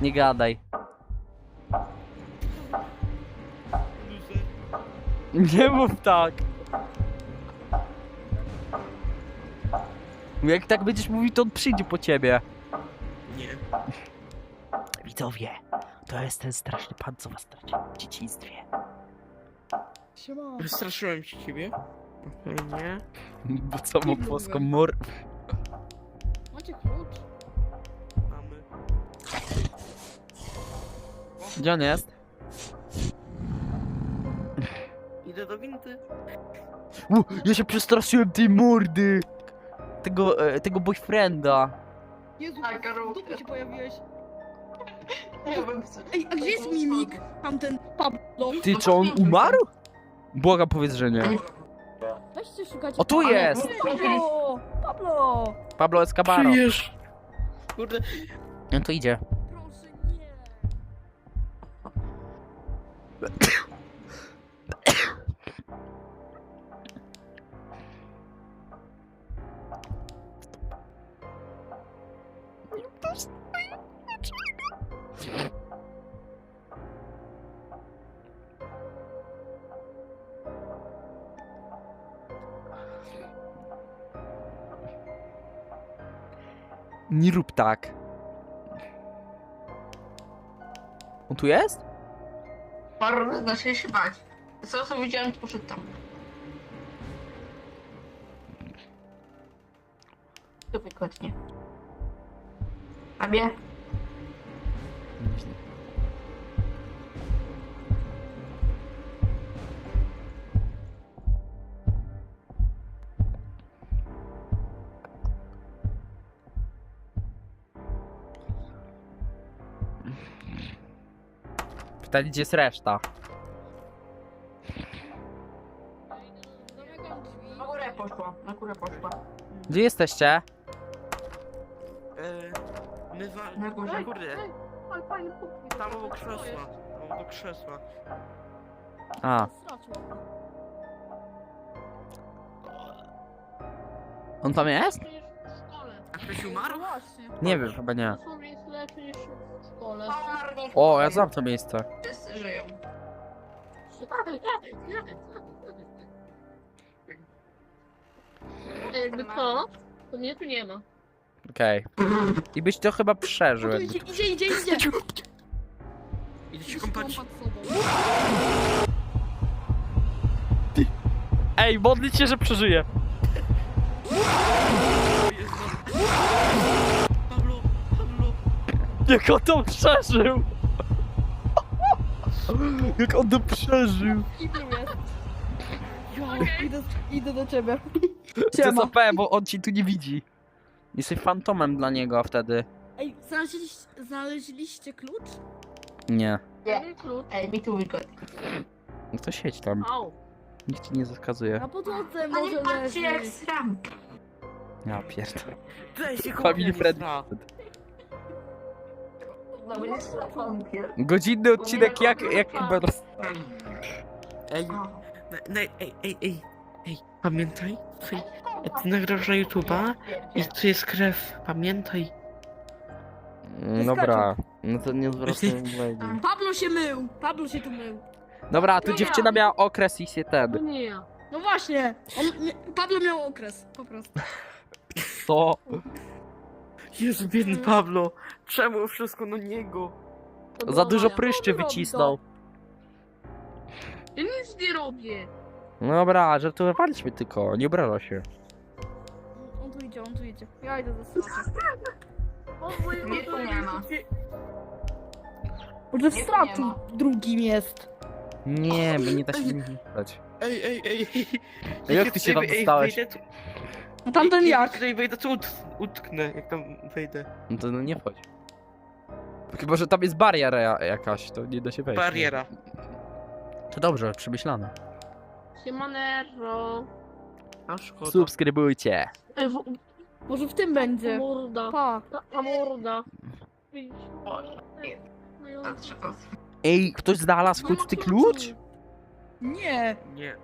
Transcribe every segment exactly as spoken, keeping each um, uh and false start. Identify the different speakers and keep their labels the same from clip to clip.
Speaker 1: Nie gadaj. Nie mów tak. Jak tak będziesz mówił, to on przyjdzie po ciebie.
Speaker 2: Nie.
Speaker 1: Widzowie, to jest ten straszny pan, co was stracił w dzieciństwie.
Speaker 3: Siema.
Speaker 2: Wystraszyłem się ciebie? Okej, nie.
Speaker 1: Bo co mu płoską mor...
Speaker 3: Macie klucz?
Speaker 2: Mamy.
Speaker 1: Gdzie on jest?
Speaker 2: Idę do windy.
Speaker 1: U, ja się przestraszyłem tej mordy! Tego, e, tego boyfrienda.
Speaker 3: Jezu,
Speaker 4: Tak, Karol.
Speaker 3: w dupie się pojawiłeś.
Speaker 4: Ja bym chce.
Speaker 3: Ej, a gdzie jest Mimik? Tamten Pablo.
Speaker 1: Ty, czy on umarł? Błagam, powiedz, że nie.
Speaker 3: Weźcie szukać.
Speaker 1: O, tu jest!
Speaker 3: Pablo! Pablo!
Speaker 1: Pablo Escabaro.
Speaker 2: Żyjesz! Kurde.
Speaker 1: No to idzie.
Speaker 3: Proszę, nie.
Speaker 1: Nie rób tak. On tu jest?
Speaker 4: Paru zacznie się bać. Co co widziałem, to poszedł tam. To wygodnie. A mnie?
Speaker 1: Pytanie, gdzie jest reszta?
Speaker 3: Zamykam drzwi.
Speaker 4: Na górę poszła, na górę poszła.
Speaker 1: Gdzie jesteście?
Speaker 2: E, my wal...
Speaker 4: Na górze.
Speaker 2: Kurde.
Speaker 4: Ale fajny punkt.
Speaker 2: Tam obok krzesła. Tam obok krzesła.
Speaker 1: A,
Speaker 3: Stracił.
Speaker 1: on tam jest?
Speaker 5: Niż w szkole.
Speaker 2: A ktoś umarł?
Speaker 3: No właśnie.
Speaker 1: Nie wiem, chyba nie.
Speaker 5: Dosłownie jest lepszy niż w szkole.
Speaker 1: O, ja znam to miejsce.
Speaker 4: Wszyscy żyją.
Speaker 5: A jakby to, to mnie tu nie ma.
Speaker 1: Okej. I byś to chyba
Speaker 3: O,
Speaker 1: przeżył.
Speaker 3: tu
Speaker 1: jakby-
Speaker 3: idzie, idzie, idzie, idzie.
Speaker 2: Idę się kąpać.
Speaker 3: Kąpać sobą.
Speaker 1: Ej, modlić się, że przeżyje.
Speaker 2: Pablo, Pablo.
Speaker 1: Jak on to przeżył! Jak on to przeżył!
Speaker 3: I tu jest. Idę, idę do ciebie.
Speaker 1: To jest O P, bo on ci tu nie widzi. Jesteś fantomem dla niego wtedy.
Speaker 3: Ej, znaleźliście, znaleźliście klucz?
Speaker 1: Nie.
Speaker 4: Nie.
Speaker 5: Klucz.
Speaker 4: Ej, mi tu wygodnie.
Speaker 1: No to siedź tam.
Speaker 5: Au.
Speaker 1: Nikt ci nie zakazuje.
Speaker 3: Na podłodze
Speaker 4: A
Speaker 3: może
Speaker 4: nie patrzcie jak
Speaker 3: leży.
Speaker 4: sram.
Speaker 1: Ja pierdolę.
Speaker 2: Daj się
Speaker 1: Family friendly.
Speaker 4: No będzie strafonkier.
Speaker 1: Godzinny odcinek jak, jak chyba... roz-
Speaker 2: Ej, na, na, ej, ej, ej, ej, pamiętaj, ty, ty nagrasz na YouTube'a i tu jest krew, pamiętaj.
Speaker 1: Mm, Dobra, no to nie zwracaj uwagi.
Speaker 3: Pablo się mył. Pablo się tu mył.
Speaker 1: Dobra, tu dziewczyna miała okres i się
Speaker 5: To
Speaker 1: ten.
Speaker 5: nie ja.
Speaker 3: No właśnie. On, mia- Pablo miał okres, po prostu.
Speaker 1: To...
Speaker 2: Jezu, biedny Pablo, czemu wszystko na niego?
Speaker 5: To
Speaker 1: Za
Speaker 5: była
Speaker 1: dużo
Speaker 5: moja.
Speaker 1: pryszczy
Speaker 3: robi to?
Speaker 1: wycisnął.
Speaker 5: Ja nic nie robię.
Speaker 1: Dobra, żartowaliśmy tylko, nie obraża się.
Speaker 3: On tu idzie, on tu idzie. Ja idę do straty.
Speaker 5: O, moje
Speaker 4: Nie, tu nie ma.
Speaker 3: Może w
Speaker 4: Nie, tu
Speaker 3: stracu
Speaker 4: nie ma.
Speaker 3: drugim jest.
Speaker 1: Nie, bo nie da się nim stać.
Speaker 2: Ej, ej, ej, ej.
Speaker 1: A jak ty się tam
Speaker 2: Ej,
Speaker 1: dostałeś?
Speaker 2: wejdę tu-
Speaker 3: No tamten
Speaker 2: ej,
Speaker 3: jak?
Speaker 2: Tutaj wejdę, to ut, utknę, jak tam wejdę.
Speaker 1: No to no nie wchodź. Chyba, że tam jest bariera ja- jakaś, to nie da się wejść.
Speaker 2: Bariera.
Speaker 1: To dobrze, przemyślane.
Speaker 5: Siemanero.
Speaker 2: A szkoda.
Speaker 1: Subskrybujcie.
Speaker 5: Ej, w...
Speaker 3: Może w tym będzie.
Speaker 5: Morda.
Speaker 3: Pa.
Speaker 5: Ta morda. Widzisz?
Speaker 4: O,
Speaker 5: No i on-
Speaker 4: to trzeba.
Speaker 1: Ej, ktoś znalazł choć ty klucz?
Speaker 3: Nie.
Speaker 2: Nie.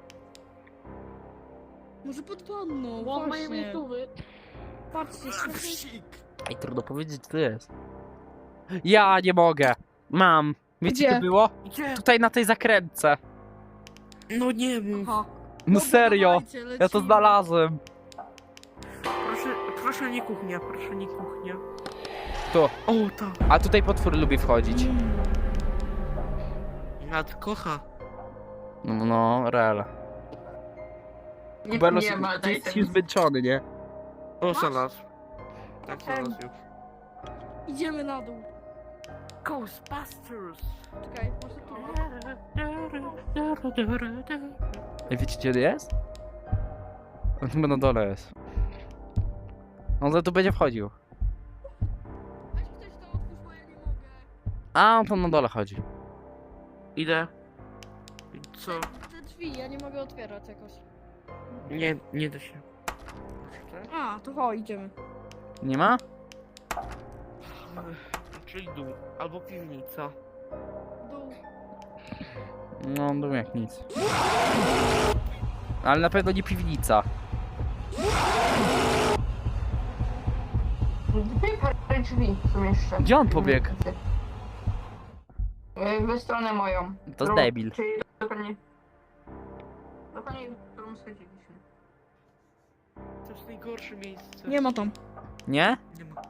Speaker 3: Może pod wanną.
Speaker 5: Bo moje
Speaker 3: Właśnie.
Speaker 5: miejscowy.
Speaker 3: Patrzcie,
Speaker 2: Wsik.
Speaker 1: Ej, trudno powiedzieć, co to jest. Ja nie mogę. Mam. Wiecie,
Speaker 3: Gdzie?
Speaker 1: to było?
Speaker 2: Gdzie?
Speaker 1: Tutaj na tej zakrętce.
Speaker 2: No nie mów.
Speaker 3: Aha.
Speaker 1: No
Speaker 3: Dobra,
Speaker 1: serio.
Speaker 3: dawajcie,
Speaker 1: Ja to
Speaker 3: lecimy.
Speaker 1: znalazłem.
Speaker 2: Proszę, proszę nie kuchnia, proszę nie kuchnia.
Speaker 1: Tu.
Speaker 2: O, tak.
Speaker 1: A tutaj potwór lubi wchodzić.
Speaker 2: Nad kocha.
Speaker 1: No, no, real.
Speaker 4: Nie,
Speaker 1: Kubelos
Speaker 4: nie ma,
Speaker 1: jest
Speaker 4: daj
Speaker 1: jest
Speaker 4: ten.
Speaker 1: zmęczony, nie?
Speaker 2: O, znalazł. Tak, znalazł już.
Speaker 3: Idziemy na dół.
Speaker 2: Ghostbusters!
Speaker 3: Czekaj, może tu.
Speaker 1: Ej, wiecie gdzie on jest? On chyba na dole jest. On za tu będzie wchodził.
Speaker 3: Weź ktoś to otwórz, bo ja nie mogę.
Speaker 1: A, on tam na dole chodzi.
Speaker 2: Idę. Co?
Speaker 3: Te drzwi, ja nie mogę otwierać jakoś.
Speaker 2: Nie, nie da się.
Speaker 3: A, to chodź, idziemy.
Speaker 1: Nie ma?
Speaker 2: Czyli dół. Albo piwnica.
Speaker 3: Dół.
Speaker 1: No, on był jak nic. Ale na pewno nie piwnica.
Speaker 4: Drzwi, parę drzwi są jeszcze.
Speaker 1: Gdzie on pobiegł?
Speaker 4: Y, W stronę moją.
Speaker 1: To jest
Speaker 4: Którą-
Speaker 1: debil.
Speaker 4: Czyli dokładnie... Dokładnie, w którą schodziliśmy.
Speaker 2: To jest najgorsze miejsce.
Speaker 3: Nie ma tam.
Speaker 1: Nie?
Speaker 2: Nie ma.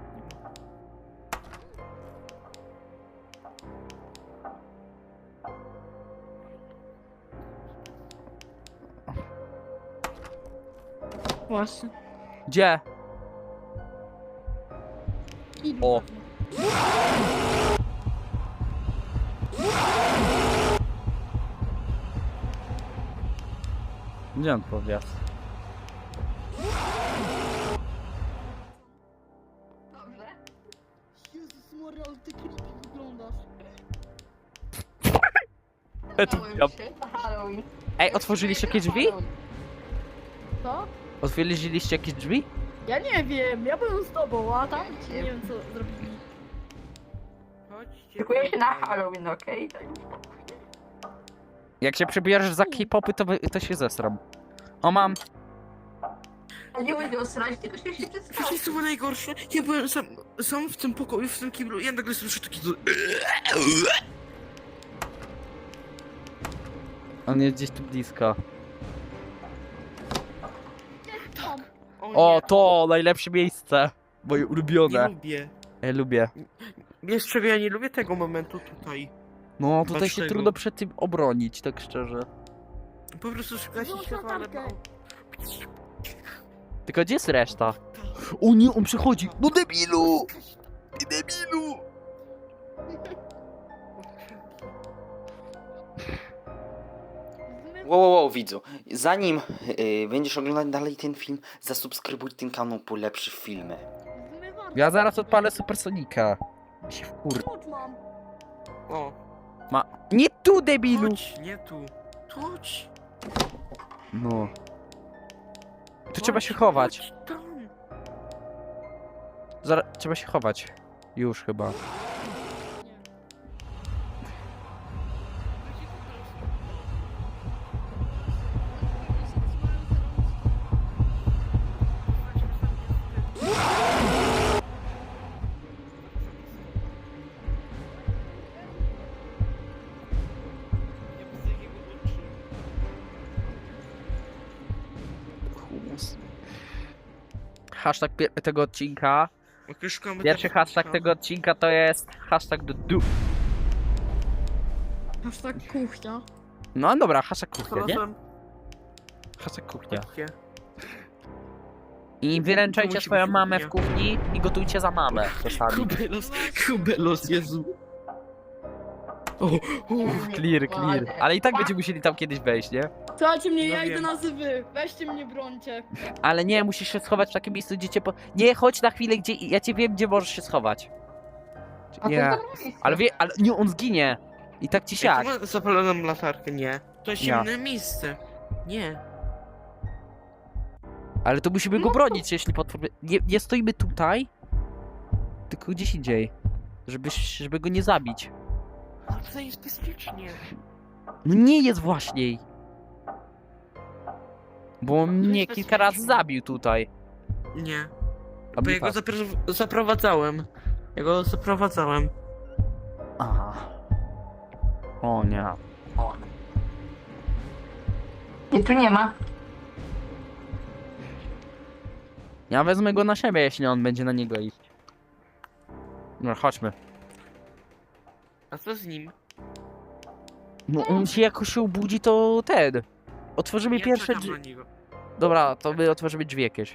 Speaker 3: Właśnie.
Speaker 1: Gdzie?
Speaker 3: I
Speaker 1: O. Gdzie on powiat?
Speaker 4: Dobrze.
Speaker 3: Jezus Maria, ale ty creepy wyglądasz.
Speaker 4: Bałem
Speaker 1: Ja-
Speaker 4: się na Halloween.
Speaker 1: Ej, otworzyliście jakieś drzwi?
Speaker 3: Co?
Speaker 1: Otworzyliście jakieś drzwi?
Speaker 3: Ja nie wiem, ja byłem z tobą, a tam
Speaker 4: Wiecie.
Speaker 3: nie wiem co zrobili.
Speaker 2: Chodźcie.
Speaker 4: Szykuję się na
Speaker 2: tutaj.
Speaker 4: Halloween, okej?
Speaker 1: Jak się przebierzesz za K-popy, to, wy- to się zesram. O, mam.
Speaker 4: A nie będę osrać, tylko się się
Speaker 2: Wiecie
Speaker 4: przedstawić.
Speaker 2: co było najgorsze? Ja byłem sam, sam w tym pokoju, w tym kiblu, ja nagle słyszę taki...
Speaker 1: On jest gdzieś tu blisko.
Speaker 3: Tam.
Speaker 1: O,
Speaker 2: nie,
Speaker 1: to najlepsze miejsce. Moje
Speaker 2: Nie
Speaker 1: ulubione.
Speaker 2: lubię.
Speaker 1: Ja lubię.
Speaker 2: Jeszcze ja nie lubię tego momentu tutaj.
Speaker 1: No, tutaj się
Speaker 2: Dlaczego?
Speaker 1: trudno przed tym obronić, tak szczerze.
Speaker 2: Po prostu szukać
Speaker 3: Włącz
Speaker 2: światła, ale...
Speaker 3: latarkę.
Speaker 1: Tylko gdzie jest reszta? O nie, on przychodzi! No debilu! Ty debilu!
Speaker 6: Wow, wow, wow, widzu. Zanim yy, będziesz oglądać dalej ten film, zasubskrybuj ten kanał po lepsze filmy.
Speaker 3: Zmywarka.
Speaker 1: Ja zaraz odpalę Supersonika. Się wkur...
Speaker 3: Klucz mam.
Speaker 2: O,
Speaker 1: Ma... Nie tu, debilu!
Speaker 2: chodź, nie tu. Chodź.
Speaker 1: No. Tu trzeba
Speaker 2: Chodź,
Speaker 1: się chować.
Speaker 2: chodź tam.
Speaker 1: Zaraz... Trzeba się chować. Już chyba. Humus. Hashtag pie- tego odcinka.
Speaker 2: Jak już szukamy
Speaker 1: Pierwszy
Speaker 2: tego
Speaker 1: hashtag
Speaker 2: klucza.
Speaker 1: tego odcinka to jest hashtag do du.
Speaker 3: Hashtag kuchnia.
Speaker 1: No dobra, hashtag kuchnia, nie?
Speaker 2: Znalazłem.
Speaker 1: Hashtag kuchnia.
Speaker 2: Chodźcie.
Speaker 1: I
Speaker 2: To
Speaker 1: wyręczajcie
Speaker 2: musi
Speaker 1: swoją
Speaker 2: być
Speaker 1: mamę w
Speaker 2: kuchnia.
Speaker 1: kuchni i gotujcie za mamę czasami.
Speaker 2: Kubelos, kubelos, Jezu. O, o.
Speaker 1: Clear, clear. Ale i tak będziemy musieli tam kiedyś wejść, nie?
Speaker 3: Słuchajcie mnie,
Speaker 2: No
Speaker 3: ja idę
Speaker 2: wiem.
Speaker 3: na zywy. Weźcie mnie, brońcie.
Speaker 1: Ale nie, musisz się schować w takim miejscu, gdzie cię po... Nie, chodź na chwilę, gdzie... Ja cię wiem, gdzie możesz się schować.
Speaker 4: A to
Speaker 1: Nie.
Speaker 4: jest dobre miejsce.
Speaker 1: Ale wie... Ale nie, on zginie. I tak ci
Speaker 2: Ej,
Speaker 1: siak.
Speaker 2: tu ma zapaloną latarkę, nie. To jest
Speaker 1: Ja.
Speaker 2: inne miejsce. Nie.
Speaker 1: Ale to musimy go bronić, jeśli potwór... Nie, nie stoimy tutaj, tylko gdzieś indziej. Żeby, żeby go nie zabić.
Speaker 2: Ale tutaj jest bezpiecznie.
Speaker 1: No nie jest właśnie. Bo on mnie
Speaker 2: jest
Speaker 1: kilka razy
Speaker 2: bezpiecznie.
Speaker 1: zabił tutaj.
Speaker 2: Nie.
Speaker 1: A
Speaker 2: Bo
Speaker 1: mnie
Speaker 2: ja go
Speaker 1: tak.
Speaker 2: zapro- zaprowadzałem. Ja go zaprowadzałem.
Speaker 1: Aha. O nie.
Speaker 4: Nie, tu nie ma.
Speaker 1: Ja wezmę go na siebie, jeśli on będzie na niego iść. No, chodźmy.
Speaker 2: A co z nim?
Speaker 1: No, on się jakoś się obudzi, to ten. Otworzymy
Speaker 2: Ja
Speaker 1: pierwsze
Speaker 2: czekam
Speaker 1: drzwi.
Speaker 2: na niego.
Speaker 1: Dobra, to my otworzymy drzwi jakieś.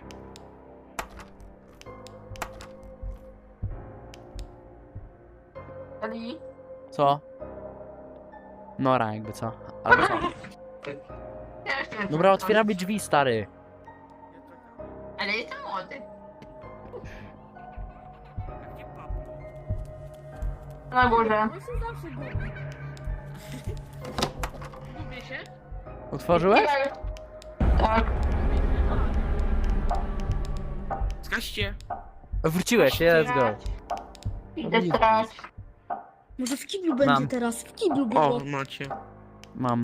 Speaker 4: Ali?
Speaker 1: Co? Nora, jakby co? Albo co?
Speaker 4: Ja jeszcze
Speaker 1: Dobra, otwieramy drzwi, stary.
Speaker 4: Ale jestem młody.
Speaker 2: Gdzie Pablo?
Speaker 4: Na górze.
Speaker 3: On się zawsze gubi.
Speaker 5: Lubię się?
Speaker 1: Otworzyłeś?
Speaker 4: Tak.
Speaker 2: Zgaście.
Speaker 1: Wróciłeś, let's go.
Speaker 4: Idę strać.
Speaker 3: Może w kiblu będzie
Speaker 1: Mam.
Speaker 3: teraz, w kiblu było.
Speaker 2: O, macie.
Speaker 1: Mam.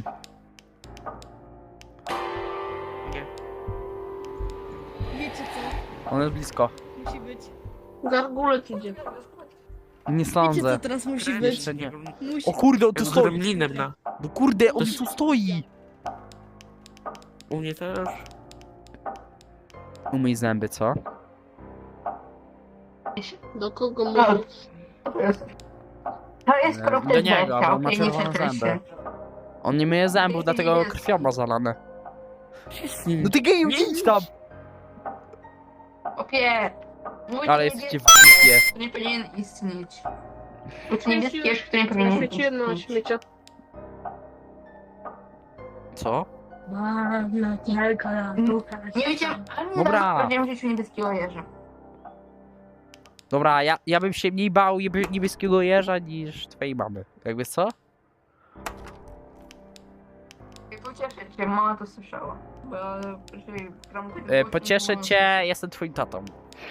Speaker 2: Nie.
Speaker 3: Wiecie co?
Speaker 1: On jest blisko.
Speaker 3: Musi być.
Speaker 5: Gargulec idzie.
Speaker 1: Nie
Speaker 3: Wiecie
Speaker 1: sądzę.
Speaker 3: co teraz musi być?
Speaker 1: Jeszcze nie.
Speaker 3: Musi...
Speaker 1: O kurde, on tu
Speaker 2: Ja z
Speaker 1: stoi.
Speaker 2: gremlinem na...
Speaker 1: No kurde, on
Speaker 2: To-
Speaker 1: tu stoi.
Speaker 2: U mnie też.
Speaker 1: Umyj zęby, co?
Speaker 5: Do kogo
Speaker 4: No.
Speaker 5: mówisz?
Speaker 4: To jest. To jest
Speaker 1: E,
Speaker 4: krok
Speaker 1: do niego, bo
Speaker 4: okej,
Speaker 1: ma
Speaker 4: nie
Speaker 1: czerwone
Speaker 4: centrycznie.
Speaker 1: zęby. On nie myje zębów, dlatego krwią ma zalane.
Speaker 2: Z nim.
Speaker 1: No ty geju,
Speaker 2: Nie
Speaker 1: idź tam!
Speaker 4: Opie. Mój
Speaker 1: Ale
Speaker 4: niebieski
Speaker 1: jesteście w dupie.
Speaker 4: nie powinien istnieć. Lub niebieski jeszcze nie powinien
Speaker 5: Świeciłem na
Speaker 4: istnieć.
Speaker 5: śmiecia.
Speaker 1: Co?
Speaker 4: Nie wiedziałem, ale nie
Speaker 1: Dobra.
Speaker 4: Dobra. Powiedziałem w życiu niebieskiego jeża.
Speaker 1: Dobra, ja, ja bym się mniej bał niebie- niebieskiego jeża niż twojej mamy. Jakby co?
Speaker 4: I pocieszę cię, mama to słyszała. Bo jeżeli gram tego
Speaker 1: E,
Speaker 4: głosu,
Speaker 1: pocieszę
Speaker 4: to-
Speaker 1: cię, jestem twoim tatą.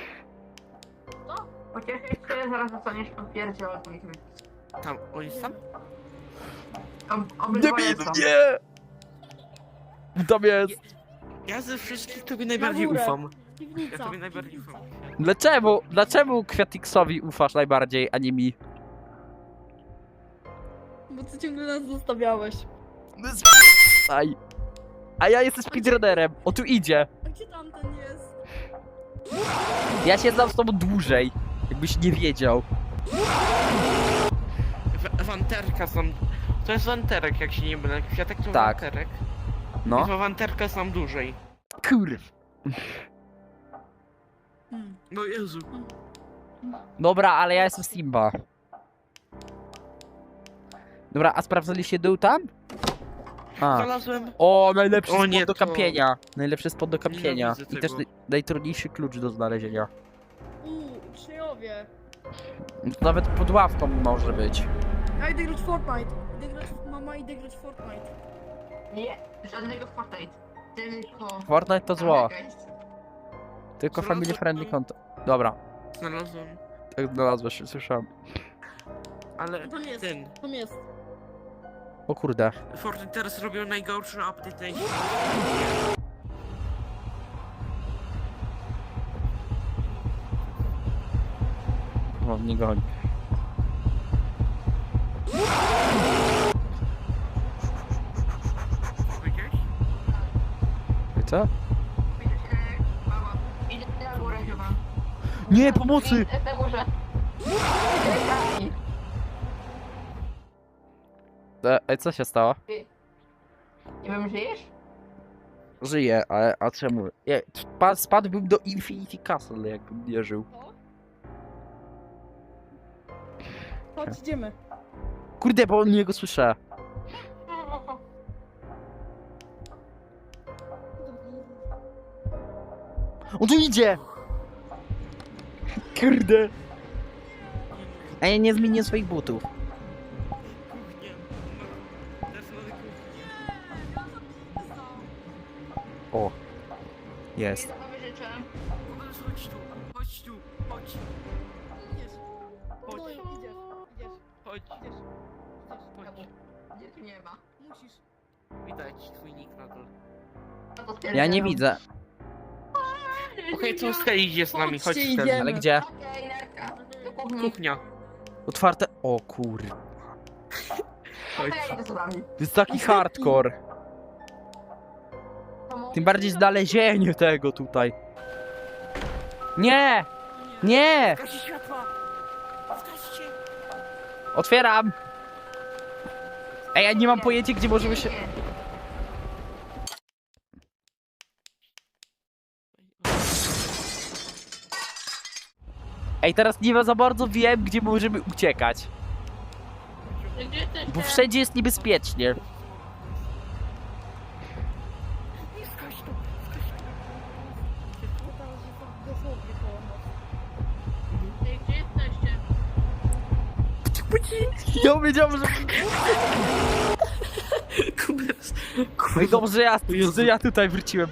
Speaker 4: Pocieszę cię, zaraz dostaniesz potwierdzie od moich rodziców.
Speaker 2: Tam, on jest tam?
Speaker 4: Ob- Obydwoje są.
Speaker 1: nie! Tam jest!
Speaker 2: Ja ze wszystkich tobie najbardziej
Speaker 3: górę.
Speaker 2: ufam.
Speaker 3: Piwnica.
Speaker 2: Ja tobie najbardziej
Speaker 3: piwnica.
Speaker 2: ufam.
Speaker 1: Dlaczego? Dlaczego Kwiatiksowi ufasz najbardziej, a nie mi?
Speaker 3: Bo ty ciągle nas zostawiałeś.
Speaker 1: Aj. A ja jestem speedrunnerem, o tu idzie.
Speaker 3: A gdzie tamten jest?
Speaker 1: Ja się znam z tobą dłużej, jakbyś nie wiedział.
Speaker 2: W- Wanterka sam... To jest wanterek, jak się nie mylę. Kwiatek to
Speaker 1: Tak.
Speaker 2: wanterek.
Speaker 1: No.
Speaker 2: No. Wanterka sam dłużej.
Speaker 1: Kurw.
Speaker 3: Hmm.
Speaker 2: No Jezu.
Speaker 1: Dobra, ale ja jestem Simba. Dobra, a sprawdzaliście dół tam? A.
Speaker 2: Znalazłem.
Speaker 1: O, najlepszy
Speaker 2: O
Speaker 1: spot
Speaker 2: nie,
Speaker 1: do
Speaker 2: to-
Speaker 1: kampienia. Najlepszy spot do kampienia.
Speaker 2: Nienawidzę
Speaker 1: I też
Speaker 2: tego.
Speaker 1: naj, najtrudniejszy klucz do znalezienia.
Speaker 3: Uuu, uczniowie.
Speaker 1: No to nawet pod ławką może być.
Speaker 3: Ja idę grać w Fortnite. Idę grać, mama idę grać w Fortnite.
Speaker 4: Nie, żadnego Fortnite. Tylko...
Speaker 1: Fortnite to zło.
Speaker 4: Amerykańscy.
Speaker 1: Tylko
Speaker 2: Znalazłem
Speaker 1: family friendly
Speaker 2: to.
Speaker 1: content. Dobra,
Speaker 2: Znalazłem.
Speaker 1: tak znalazłeś, słyszałem.
Speaker 2: Ale
Speaker 3: Tam jest.
Speaker 2: ten.
Speaker 3: Tam jest.
Speaker 1: O kurde.
Speaker 2: Fortnite teraz robią najgorszy update na świecie.
Speaker 1: O, nie goni.
Speaker 2: Powiedziałeś?
Speaker 1: Co?
Speaker 4: Idę się... Mama. Idę na górę chyba.
Speaker 1: Nie, pomocy!
Speaker 4: Idę na górze. Idę.
Speaker 1: E, e, co się stało?
Speaker 4: Nie wiem, żyjesz?
Speaker 1: Żyję, ale a czemu? Nie, spa- spadłbym do Infinity Castle, jakbym nie żył.
Speaker 3: To? Chodź, idziemy.
Speaker 1: Kurde, bo on niego słyszę. On tu idzie! Kurde! A ja nie zmienię swoich butów.
Speaker 2: Kuchnia. No. Teraz mamy kuchnię.
Speaker 1: O. Jest.
Speaker 4: Sobie życzę.
Speaker 2: Powiedz, chodź tu. Chodź tu. Chodź.
Speaker 3: Idziesz.
Speaker 2: Chodź.
Speaker 3: No, idziesz. Idziesz.
Speaker 2: Chodź.
Speaker 3: Idziesz. Idziesz.
Speaker 2: Chodź.
Speaker 4: Gdzie tu nie ma?
Speaker 3: Musisz.
Speaker 2: Widać twój nick na dole.
Speaker 4: No to
Speaker 1: Ja nie
Speaker 4: stwierdzam.
Speaker 1: widzę.
Speaker 2: Okej, co Sky idzie z nami, chodź
Speaker 3: Chodźcie,
Speaker 2: Sky.
Speaker 3: idziemy.
Speaker 1: Ale gdzie?
Speaker 4: Okej, narka. Do kuchni.
Speaker 2: Kuchnia.
Speaker 1: Otwarte. O kur...
Speaker 2: Oj,
Speaker 4: Ja idę z wami.
Speaker 1: To jest taki hardcore. Tym bardziej znalezienie tego tutaj. Nie! Nie!
Speaker 2: Zgasi światła! Zgaście!
Speaker 1: Otwieram! Ej, ja nie mam pojęcia, gdzie możemy się... Ej, teraz nie za bardzo wiem, gdzie możemy uciekać.
Speaker 5: Gdzie jesteście?
Speaker 1: Bo wszędzie jest niebezpiecznie.
Speaker 2: Zgaś to!
Speaker 3: Teraz jestem dosłownie koło nas.
Speaker 5: Ej, gdzie jesteście?
Speaker 1: Ja wiedziałem, że...
Speaker 2: Kubers!
Speaker 1: Ej, dobrze, ja,
Speaker 2: Jezu.
Speaker 1: że ja tutaj wróciłem.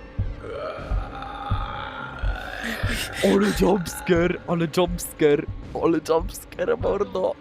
Speaker 1: Ale jumpscare, ale jumpscare, ale jumpscare, mordo.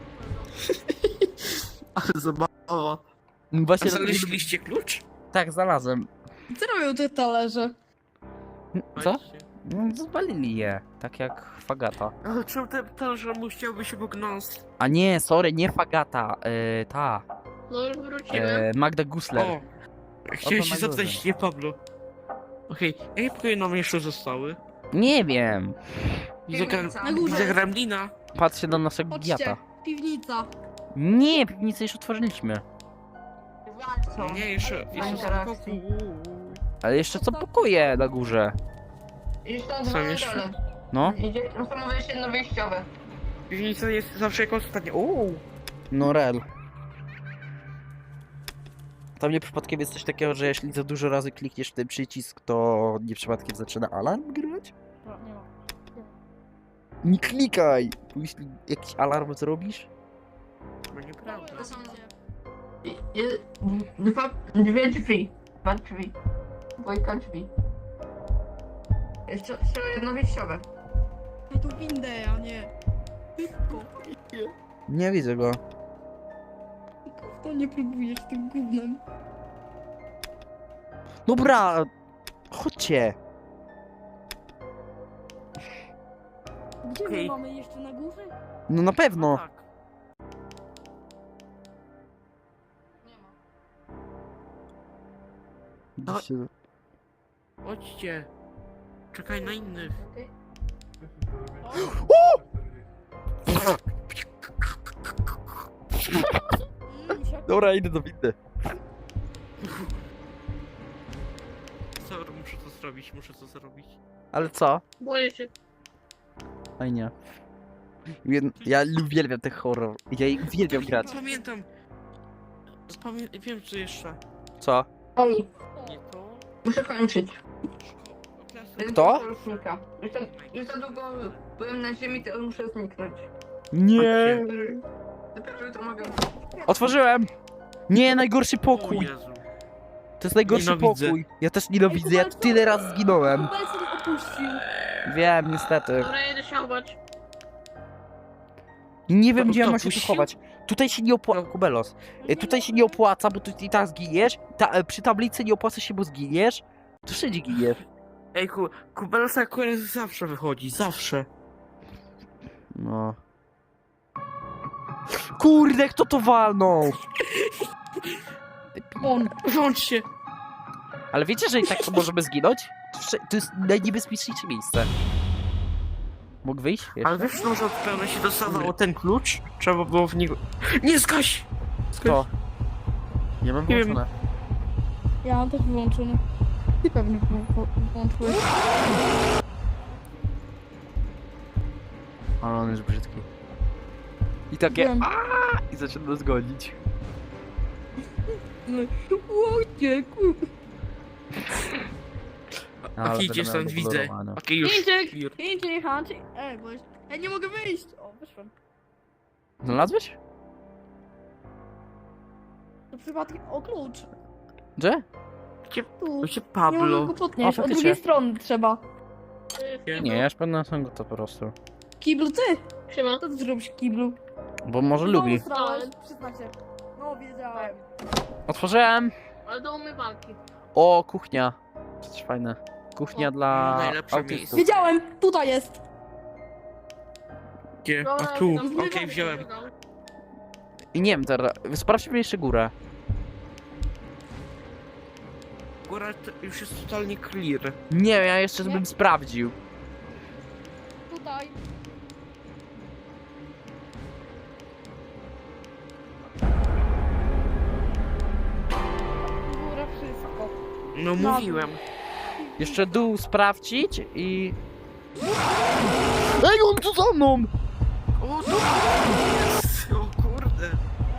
Speaker 2: Ale zabawa. A
Speaker 1: Właśnie...
Speaker 2: znaleźliście klucz?
Speaker 1: Tak, znalazłem.
Speaker 3: Co robią te talerze?
Speaker 1: Co?
Speaker 2: Patrzcie.
Speaker 1: No, zwalili je, tak jak Fagata.
Speaker 2: Ale czemu ten talerz musiałby się obok nas?
Speaker 1: A nie, sorry, nie Fagata, yy, ta,
Speaker 5: No już wrócimy.
Speaker 1: yy, Magda Gusler.
Speaker 2: O! Chciałem
Speaker 1: Oto
Speaker 2: się
Speaker 1: na
Speaker 2: zapytać,
Speaker 1: górze.
Speaker 2: nie Pablo. Okej, jakie pokoje nam jeszcze zostały?
Speaker 1: Nie wiem,
Speaker 2: Widzę, gra...
Speaker 4: Piwnica.
Speaker 3: Na górze.
Speaker 2: Widzę gremlina.
Speaker 1: patrzcie na naszego
Speaker 3: Chodźcie,
Speaker 1: giata.
Speaker 3: piwnica.
Speaker 1: Nie, piwnicę już otworzyliśmy.
Speaker 4: Co?
Speaker 2: Nie, jeszcze, jeszcze
Speaker 4: interakcji.
Speaker 2: spokój.
Speaker 1: Ale jeszcze są pokoje na górze.
Speaker 4: I tam
Speaker 2: Są
Speaker 4: dwa na
Speaker 2: jeszcze?
Speaker 4: dole.
Speaker 1: No,
Speaker 4: Idzie, to mówię jeszcze jedno wyjściowe.
Speaker 2: Piwnica jest zawsze jako ostatnia. Uuu!
Speaker 1: no rel. Tam nie przypadkiem jest coś takiego, że jeśli za dużo razy klikniesz w ten przycisk, to nie przypadkiem zaczyna alarm grywać?
Speaker 3: Nie ma.
Speaker 1: Nie klikaj! Bo jeśli jakiś alarm zrobisz...
Speaker 2: To nieprawda.
Speaker 4: To są i- i- dwa, dwie drzwi. Dwa drzwi. Dwójka drzwi. Jeszcze, jeszcze jedno wyjściowe.
Speaker 3: Ej, tu windę, a nie. Szybko.
Speaker 1: Nie widzę go.
Speaker 3: To nie próbujesz tym gównem.
Speaker 1: Dobra! Chodźcie!
Speaker 3: Gdzie
Speaker 2: Okej.
Speaker 3: my mamy jeszcze na górze?
Speaker 1: No na pewno!
Speaker 2: Tak.
Speaker 1: Gdzieście-
Speaker 2: Chodźcie. Czekaj na innych.
Speaker 3: Mm, siak-
Speaker 1: Dobra, idę do windy.
Speaker 2: Sorry, muszę to zrobić, muszę to zrobić.
Speaker 1: Ale co?
Speaker 5: Boję się.
Speaker 1: Fajnie. Jed- Ja uwielbiam ten horror. Ja uwielbiam grać.
Speaker 2: Pamiętam. Pamię... Wiem co jeszcze.
Speaker 1: Co?
Speaker 4: Ej,
Speaker 2: Nie to.
Speaker 4: muszę kończyć.
Speaker 1: Kto?
Speaker 4: Sojusznika. Już za, już za długo byłem na ziemi, to muszę zniknąć.
Speaker 1: Nie!
Speaker 4: Dopiero jutro mogę.
Speaker 1: Otworzyłem! Nie, najgorszy
Speaker 2: O
Speaker 1: pokój!
Speaker 2: Jezu.
Speaker 1: To jest najgorszy
Speaker 2: Nienawidzę.
Speaker 1: pokój. Ja też nienawidzę, ja tyle razy zginąłem.
Speaker 3: Kubelson opuścił.
Speaker 1: Wiem, niestety.
Speaker 5: Dobra, jedę się chować.
Speaker 1: I nie wiem,
Speaker 2: To-
Speaker 1: gdzie ja
Speaker 2: to
Speaker 1: mam się tu
Speaker 2: puścił?
Speaker 1: chować. Tutaj się nie opłaca... Kubelos. E, Tutaj się nie opłaca, bo tu i tak zginiesz. Ta, e, przy tablicy nie opłaca się, bo zginiesz. To wszędzie giniesz.
Speaker 2: Ej, ku... Kubelsa akurat zawsze wychodzi, zawsze.
Speaker 1: No. Kurde, kto to walnął?
Speaker 3: On.
Speaker 2: Włącz się.
Speaker 1: Ale wiecie, że i tak to możemy zginąć? To wsze- To jest najniebezpieczniejsze miejsce. Mógł wyjść? Jeszcze?
Speaker 2: Ale wiesz, że od pełna się dostawało ten klucz? Trzeba było w niego... Nie, zgaś!
Speaker 1: Kto? Nie mam
Speaker 2: Nie wiem.
Speaker 1: włączone.
Speaker 3: Ja mam też wyłączony. Ty pewnie wło- wło- włączyłeś.
Speaker 1: Ale on jest brzydki. I takie...
Speaker 3: Wiem.
Speaker 1: "Aaa!" I zaczyna nas gonić.
Speaker 3: Łodzie, kur...
Speaker 1: No, ale
Speaker 2: Okej, idzie
Speaker 1: będę
Speaker 2: stąd,
Speaker 1: miał
Speaker 2: widzę.
Speaker 1: zabudowane.
Speaker 2: Okej, już.
Speaker 3: Idzie,
Speaker 2: Już.
Speaker 3: idzie, chodź. Ej, bo... Ej, nie mogę wyjść. O, wyszłem.
Speaker 1: Znalazłeś?
Speaker 3: To przypadkiem... O, klucz.
Speaker 1: Gdzie?
Speaker 2: Gdzie,
Speaker 3: Tu.
Speaker 2: gdzie
Speaker 3: Nie mogę
Speaker 2: Pablo?
Speaker 3: go
Speaker 1: O,
Speaker 3: podnieść. Od
Speaker 1: faktycznie.
Speaker 3: drugiej strony trzeba.
Speaker 2: Nie.
Speaker 1: Nie, ja już pewnie są go to po prostu.
Speaker 3: Kiblu, ty!
Speaker 5: Siema.
Speaker 3: Co ty zrobisz, Kiblu?
Speaker 1: Bo może
Speaker 3: Znowu
Speaker 1: lubi.
Speaker 3: srałeś, przyznam się. No, wiedziałem.
Speaker 1: Otworzyłem!
Speaker 5: Ale do umywalki.
Speaker 1: O, kuchnia. Coś fajne. Kuchnia
Speaker 5: O,
Speaker 1: dla
Speaker 2: najlepsze
Speaker 1: autystów.
Speaker 2: miejsce.
Speaker 3: Wiedziałem! Tutaj jest!
Speaker 2: Gdzie? A
Speaker 5: Dobra,
Speaker 2: tu,
Speaker 5: tam
Speaker 2: okej,
Speaker 5: zmywalkę
Speaker 2: wziąłem.
Speaker 5: wydał.
Speaker 1: I nie wiem teraz, sprawdźmy jeszcze górę.
Speaker 2: Góra to już jest totalnie clear.
Speaker 1: Nie wiem, ja jeszcze
Speaker 3: Nie.
Speaker 1: bym sprawdził.
Speaker 3: Tutaj. Góra wszystko.
Speaker 2: No
Speaker 3: No.
Speaker 2: mówiłem.
Speaker 1: Jeszcze dół sprawdzić i... Ej, on tu za mną!
Speaker 2: O, to jest! O kurde.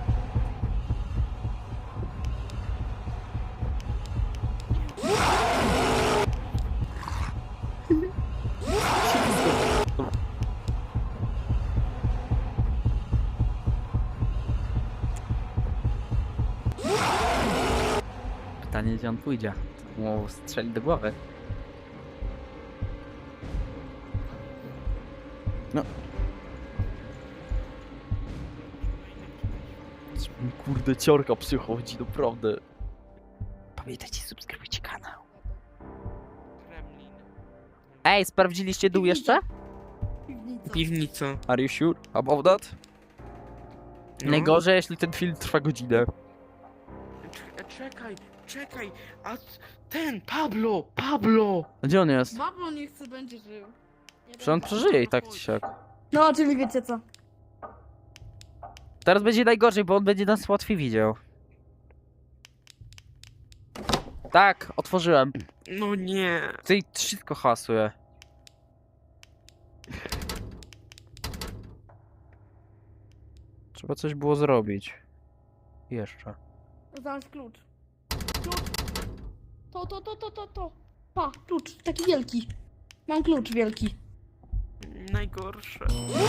Speaker 1: Pytanie, gdzie on pójdzie. Mu strzeli do głowy. No. Kurde, ciorka przychodzi, naprawdę. Pamiętajcie, subskrybujcie kanał.
Speaker 2: Kremlin.
Speaker 1: Ej, sprawdziliście dół jeszcze?
Speaker 3: Piwnica.
Speaker 2: Piwnica.
Speaker 1: Are you sure about that?
Speaker 2: No.
Speaker 1: Najgorzej, jeśli ten film trwa godzinę.
Speaker 2: Czekaj, czekaj, czekaj, a c- ten, Pablo, Pablo!
Speaker 1: A gdzie on jest?
Speaker 3: Bablo nie chce, będzie żył.
Speaker 1: Przecież on przeżyje i tak czy siak.
Speaker 3: No, czyli wiecie co.
Speaker 1: Teraz będzie najgorzej, bo on będzie nas łatwiej widział. Tak, otworzyłem.
Speaker 2: No nie.
Speaker 1: Tutaj wszystko hasuje. Trzeba coś było zrobić. Jeszcze.
Speaker 3: Znaleźć klucz. Klucz. To, to, to, to, to, to. Pa, klucz, taki wielki. Mam klucz wielki.
Speaker 2: Najgorsze.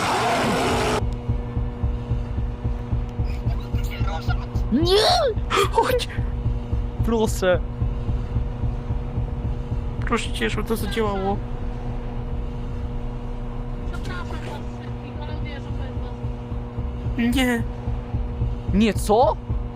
Speaker 1: Nie! Chodź! Proszę.
Speaker 2: Proszę cię, żeby to zadziałało.
Speaker 5: Przepraszam was wszystkich, ale wierzę bez was.
Speaker 2: Nie.
Speaker 1: Nie, co?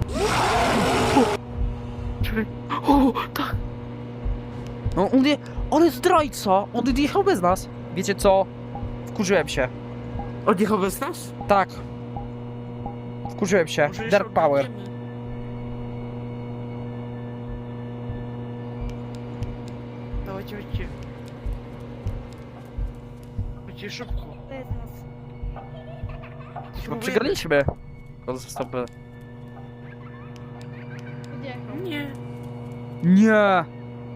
Speaker 2: Czekaj. O, tak.
Speaker 1: No, on je... On jest zdrajca! On odjechał bez nas. Wiecie co? Wkurzyłem się.
Speaker 2: Odjechał bez nas?
Speaker 1: Tak. Wkurzyłem się.
Speaker 2: Może jeszcze
Speaker 1: Dark Power.
Speaker 2: odjedziemy? Dawajcie, chodźcie. Chodźcie szybko.
Speaker 3: To jest nas.
Speaker 1: Chyba przegraliśmy. Stopy.
Speaker 3: Odjechał.
Speaker 2: Nie.
Speaker 1: Nie!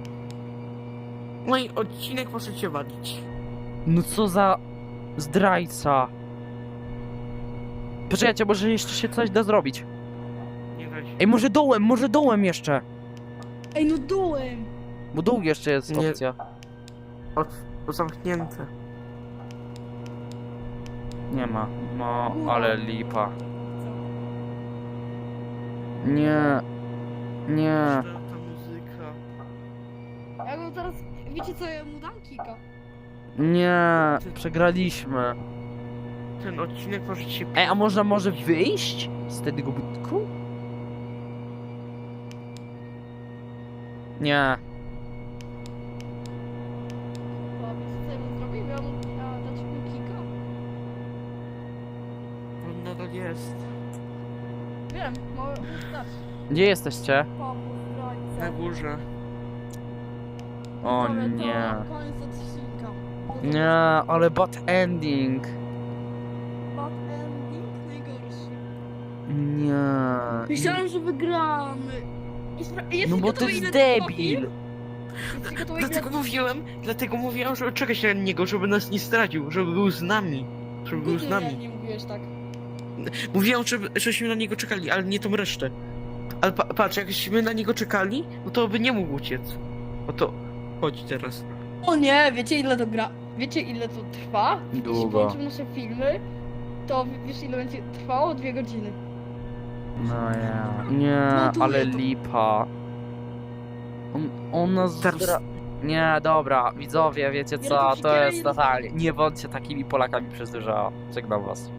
Speaker 2: No i odcinek możecie walić.
Speaker 1: No co za zdrajca. Poczekajcie, może jeszcze się coś da zrobić.
Speaker 2: Nie da się.
Speaker 1: Ej, może dołem, może dołem jeszcze.
Speaker 3: Ej, no dołem.
Speaker 1: Bo dół jeszcze jest
Speaker 2: Nie.
Speaker 1: opcja.
Speaker 2: Od, to zamknięte.
Speaker 1: Nie ma. No,
Speaker 3: Góra.
Speaker 1: ale lipa. Nie. Nie.
Speaker 2: Ta muzyka.
Speaker 3: Ja go teraz, wiecie co, ja mu dam kika.
Speaker 1: Nie. Przegraliśmy.
Speaker 2: Ten odcinek możecie...
Speaker 1: Ej, a można może wyjść z tego budynku? Nie.
Speaker 3: To wiecie co ja mu zrobię? Ja mu ja dać mu kika.
Speaker 2: On nadal jest.
Speaker 3: Wiem, mogę dać.
Speaker 1: Gdzie jesteście?
Speaker 3: Papu,
Speaker 2: Na
Speaker 3: zdrajca.
Speaker 2: górze.
Speaker 1: O
Speaker 3: Dobra, to
Speaker 1: nie.
Speaker 3: Koniec odcinka. To
Speaker 1: Nie, ale bad ending.
Speaker 3: Bad ending najgorszy.
Speaker 1: Nie.
Speaker 3: Myślałem, że wygramy. I spra- jesteś
Speaker 1: No bo to
Speaker 3: gotowy,
Speaker 1: jest
Speaker 3: ile trwa
Speaker 1: debil.
Speaker 3: film? Jesteś gotowy, ile-
Speaker 2: Dlatego mówiłem, dlatego mówiłem, żeby czekać na niego, żeby nas nie stracił, żeby był z nami. Żeby był z
Speaker 3: Nigdy
Speaker 2: nami.
Speaker 3: nie mówiłeś tak.
Speaker 2: Mówiłem, żeby, żebyśmy na niego czekali, ale nie tą resztę. Ale pa, patrz, jakbyśmy na niego czekali, no to by nie mógł uciec. No to chodź teraz.
Speaker 3: O nie, wiecie ile to gra? Wiecie ile to trwa? Jeśli
Speaker 1: Długo.
Speaker 3: połączymy nasze filmy, to w- wiesz ile będzie trwało? Dwie godziny.
Speaker 1: No ja. Nie,
Speaker 3: No tu
Speaker 1: ale
Speaker 3: nie, to-
Speaker 1: lipa. On, on nas
Speaker 2: Teraz-
Speaker 1: zdra... Nie, dobra, widzowie, wiecie
Speaker 3: Nie
Speaker 1: co,
Speaker 3: robicie
Speaker 1: to jest
Speaker 3: kiera i
Speaker 1: totalnie... Nie bądźcie takimi Polakami przez dużo. Żegnam was.